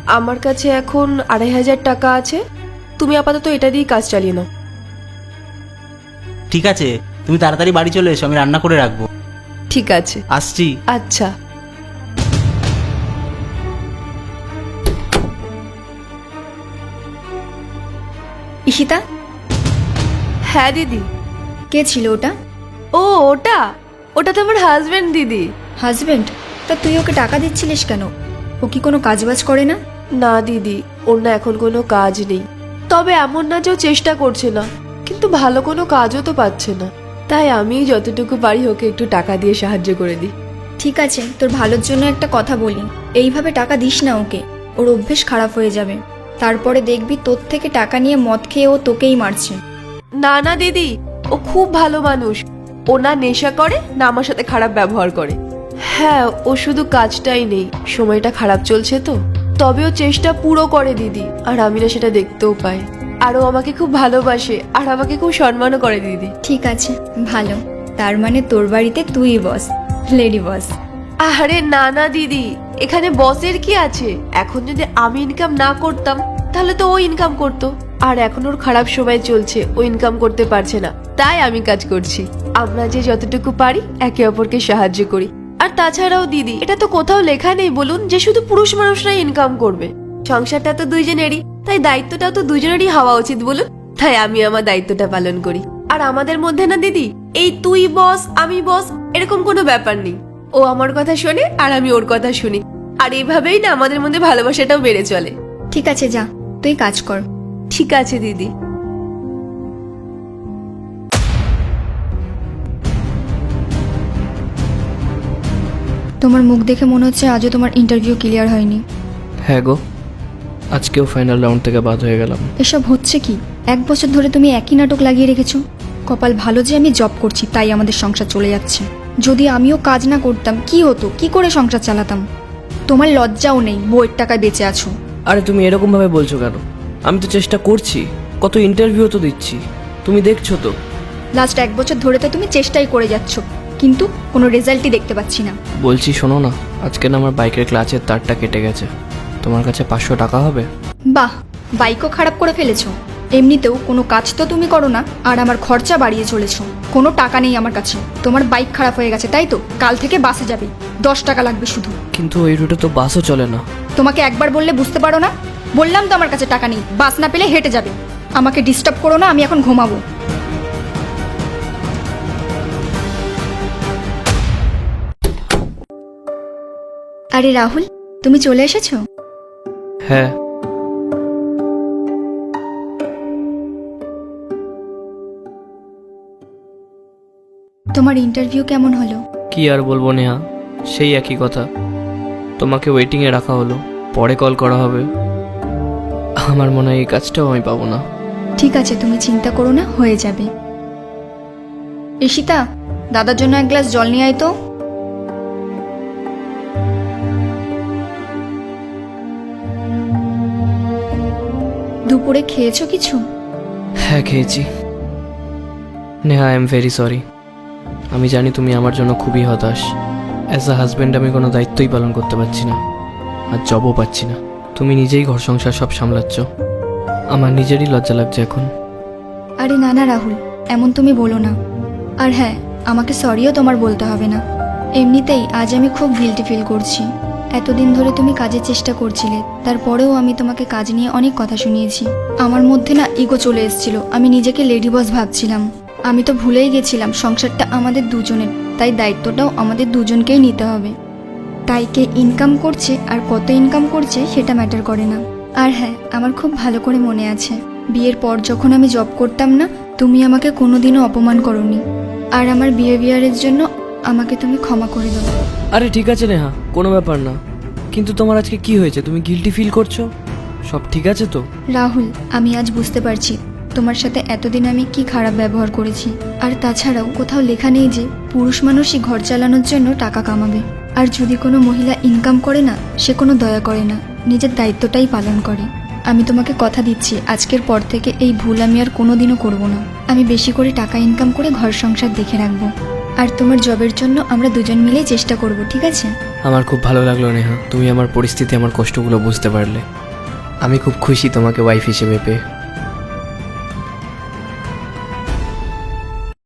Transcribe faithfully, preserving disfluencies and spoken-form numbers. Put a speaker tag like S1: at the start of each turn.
S1: আমার কাছে এখন আড়াই হাজার টাকা আছে, তুমি আপাতত এটা দিয়েই কাজ চালিয়ে নাও।
S2: ঠিক আছে, তুমি তাড়াতাড়ি বাড়ি চলে এসো, আমি রান্না করে রাখবো।
S1: ঠিক আছে,
S2: আসছি।
S1: আচ্ছা।
S3: ঈশিতা,
S1: হ্যাঁ দিদি।
S3: কে ছিল ওটা?
S1: ও ওটা ওটা তো আমার হাজবেন্ড দিদি।
S3: হাজবেন্ড? তা তুই ওকে টাকা দিচ্ছিলিস কেন? ও কি কোনো কাজবাজ করে না?
S1: না দিদি, ওর না এখন কোনো কাজ নেই। তবে এমন না যে ও চেষ্টা করছে না, কিন্তু ভালো কোনো কাজও তো পাচ্ছে না, তাই আমি যতটুকু পারি ওকে একটু টাকা দিয়ে সাহায্য করে দিই।
S3: ঠিক আছে, তোর ভালোর জন্য একটা কথা বলি, এইভাবে টাকা দিস না ওকে, ওর অভ্যেস খারাপ হয়ে যাবে। তারপরে দেখবি তোর থেকে টাকা নিয়ে মদ খেয়ে ও তোকেই মারছে।
S1: না না দিদি, ও খুব ভালো মানুষ। ও না নেশা করে না আমার সাথে খারাপ ব্যবহার করে। হ্যাঁ, ও শুধু কাজটাই নেই, সময়টা খারাপ চলছে তো, তবে ও চেষ্টা পুরো করে দিদি, আর আমি না সেটা দেখতেও পাই। আর ও আমাকে খুব ভালোবাসে আর আমাকে খুব সম্মানও করে দিদি।
S3: ঠিক আছে, ভালো। তার মানে তোর বাড়িতে তুই বস, লেডি বস।
S1: আরে না না দিদি, এখানে বসের কি আছে? এখন যদি আমি ইনকাম না করতাম তাহলে তো ও ইনকাম করতো, আর এখন ওর খারাপ সময় চলছে, ও ইনকাম করতে পারছে না, তাই আমি কাজ করছি। আমরা যে যতটুকু পারি একে অপরকে সাহায্য করি। আর তাছাড়াও দিদি, এটা তো কোথাও লেখা নেই বলুন যে শুধু পুরুষ মানুষরাই ইনকাম করবে। সংসারটা তো দুইজনেরই, তাই দায়িত্বটাও তো দুইজনেরই হওয়া উচিত বলুন। তাই আমি আমার দায়িত্বটা পালন করি। আর আমাদের মধ্যে না দিদি, এই তুই বস আমি বস এরকম কোনো ব্যাপার নেই। ও আমার কথা শোনে আর আমি ওর কথা শুনি, আর এইভাবেই না আমাদের মধ্যে ভালোবাসাটাও বেড়ে চলে।
S3: ঠিক আছে, যা তুই কাজ কর।
S1: ঠিক আছে দিদি।
S3: তোমার মুখ দেখে মনে হচ্ছে আজও তোমার ইন্টারভিউ ক্লিয়ার হয়নি।
S4: হ্যাঁ গো, আজকেও ফাইনাল রাউন্ড থেকে বাদ হয়ে গেলাম।
S3: এসব হচ্ছে কি? এক বছর ধরে তুমি একই নাটক লাগিয়ে রেখেছো। কপাল ভালো যে আমি জব করছি, তাই আমাদের সংসার চলে যাচ্ছে। যদি আমিও কাজ না করতাম কি হতো? কি করে সংসার চালাতাম? তোমার লজ্জাও নেই, বইয়ের টাকায় বেঁচে আছো।
S4: আরে তুমি এরকম ভাবে বলছো কেন? আমি তো চেষ্টা করছি, কত ইন্টারভিউ তো দিচ্ছি, তুমি দেখছো তো।
S3: লাস্ট এক বছর ধরে তো তুমি চেষ্টাই করে যাচ্ছ, কিন্তু কোনো রেজাল্টই দেখতে পাচ্ছি না।
S4: বলছি শোনো না, আজকে না আমার বাইকের ক্লাচের তারটা কেটে গেছে, তোমার কাছে পাঁচশো টাকা হবে?
S3: বাহ, বাইকও খারাপ করে ফেলেছো। এমনিতেও কোনো কাজ তো তুমি করো না, আর আমার খরচা বাড়িয়ে চলেছো। কোনো টাকা নেই আমার কাছে। তোমার বাইক খারাপ হয়ে গেছে তাই তো? কাল থেকে বাসে যাবে, দশ টাকা লাগবে শুধু।
S4: কিন্তু এই রুটে তো বাসও চলে না।
S3: তোমাকে একবার বললে বুঝতে পারো না? বললাম তো আমার কাছে টাকা নেই, বাস না পেলে হেঁটে যাবে। আমাকে ডিস্টার্ব করো না, আমি এখন ঘুমাবো। আরে রাহুল, তুমি চলে এসেছো?
S4: হ্যাঁ।
S3: তোমার ইন্টারভিউ কেমন হলো?
S4: কি আর বলবো নেহা, সেই একই কথা। তোমাকে ওয়েটিংয়ে রাখা হলো, পরে কল করা হবে। আমার মনে হয় এই কাজটাও আমি পাবো না।
S3: ঠিক আছে, তুমি চিন্তা করো না, হয়ে যাবে। ঈশিতা, দাদার জন্য এক গ্লাস জল নিয়ে আয় তো। দুপুরে খেয়েছো কিছু?
S4: হ্যাঁ খেয়েছি। Neha, I am very sorry. আমি জানি তুমি আমার জন্য খুবই হতাশ। অ্যাজ আ হাজব্যান্ড আমি কোনো দায়িত্বই পালন করতে পারছি না, আর জবও পাচ্ছি না। তুমি নিজেই ঘর সংসার সব সামলাচ্ছ, আমার নিজেরই লজ্জা লাগছে এখন।
S3: আরে না না রাহুল, এমন তুমি বলো না। আর হ্যাঁ, আমাকে সরিও তোমার বলতে হবে না। এমনিতেই আজ আমি খুব গিল্টি ফিল করছি। এতদিন ধরে তুমি কাজের চেষ্টা করছিলে, তারপরেও আমি তোমাকে কাজ নিয়ে অনেক কথা শুনিয়েছি। আমার মধ্যে না ইগো চলে এসেছিল, আমি নিজেকে লেডি বস ভাবছিলাম। আমি তো ভুলেই গেছিলাম সংসারটা আমাদের দুজনের, তাই দায়িত্বটাও আমাদের দুজনকেই নিতে হবে। তাই কে ইনকাম করছে আর কত ইনকাম করছে সেটা ম্যাটার করে না। আর হ্যাঁ, আমার খুব ভালো করে মনে আছে, বিয়ের পর যখন আমি জব করতাম না, তুমি আমাকে কোনোদিনও অপমান করোনি। আর আমার বিহেভিয়ারের জন্য আমাকে তুমি ক্ষমা করে দাও।
S4: আরে ঠিক আছে নেহা, কোনো ব্যাপার না। কিন্তু তোমার আজকে কি হয়েছে? তুমি গিল্টি ফিল করছো? সব ঠিক আছে তো?
S3: রাহুল, আমি আজ বুঝতে পারছি তোমার সাথে এতদিন আমি কি খারাপ ব্যবহার করেছি। আর তাছাড়াও কোথাও লেখা নেই যে পুরুষ মানুষই ঘর চালানোর জন্য টাকা কামাবে। আর যদি কোনো মহিলা ইনকাম করে না, সে কোনো দয়া করে না, নিজের দায়িত্বটাই পালন করে। আমি তোমাকে কথা দিচ্ছি, আজকের পর থেকে এই ভুল আমি আর কোনোদিনও করব না। আমি বেশি করে টাকা ইনকাম করে ঘর সংসার দেখে রাখবো। আর তোমার জবের জন্য আমরা দুজন মিলেই চেষ্টা করব, ঠিক আছে?
S4: আমার খুব ভালো লাগলো নেহা, তুমি আমার পরিস্থিতি, আমার কষ্টগুলো বুঝতে পারলে। আমি খুব খুশি তোমাকে ওয়াইফ হিসেবে পেয়ে।